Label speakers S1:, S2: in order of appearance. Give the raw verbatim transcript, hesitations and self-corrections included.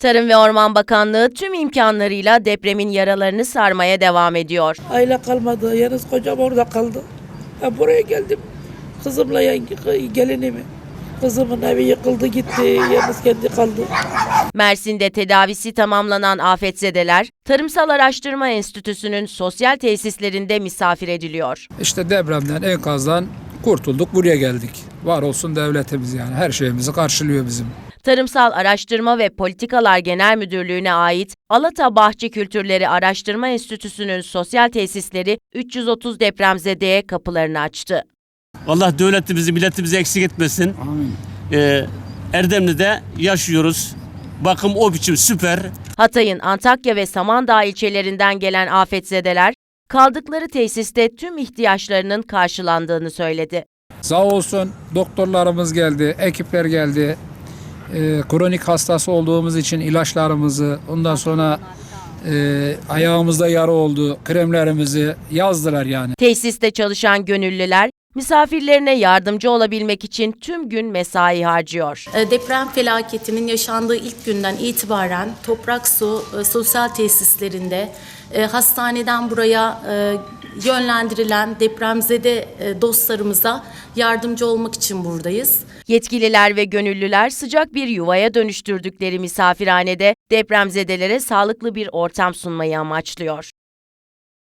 S1: Tarım ve Orman Bakanlığı tüm imkanlarıyla depremin yaralarını sarmaya devam ediyor.
S2: Aile kalmadı, yalnız kocam orada kaldı. Ben buraya geldim, kızımla yenge, gelinimi. Kızımın evi yıkıldı gitti, yalnız kendi kaldı.
S1: Mersin'de tedavisi tamamlanan afetzedeler, Tarımsal Araştırma Enstitüsü'nün sosyal tesislerinde misafir ediliyor.
S3: İşte depremden, enkazdan kurtulduk, buraya geldik. Var olsun devletimiz, yani her şeyimizi karşılıyor bizim.
S1: Tarımsal Araştırma ve Politikalar Genel Müdürlüğü'ne ait Alata Bahçe Kültürleri Araştırma Enstitüsü'nün sosyal tesisleri üç yüz otuz depremzedeye kapılarını açtı.
S4: Allah devletimizi, milletimizi eksik etmesin.
S3: Amin.
S4: Ee, Erdemli'de yaşıyoruz. Bakım o biçim süper.
S1: Hatay'ın Antakya ve Samandağ ilçelerinden gelen afetzedeler, kaldıkları tesiste tüm ihtiyaçlarının karşılandığını söyledi.
S3: Sağ olsun doktorlarımız geldi, ekipler geldi. Ee, kronik hastası olduğumuz için ilaçlarımızı, ondan sonra e, ayağımızda yara oldu, kremlerimizi yazdılar yani.
S1: Tesiste çalışan gönüllüler, misafirlerine yardımcı olabilmek için tüm gün mesai harcıyor.
S5: Deprem felaketinin yaşandığı ilk günden itibaren Toprak Su sosyal tesislerinde hastaneden buraya yönlendirilen depremzede dostlarımıza yardımcı olmak için buradayız.
S1: Yetkililer ve gönüllüler sıcak bir yuvaya dönüştürdükleri misafirhanede depremzedelere sağlıklı bir ortam sunmayı amaçlıyor.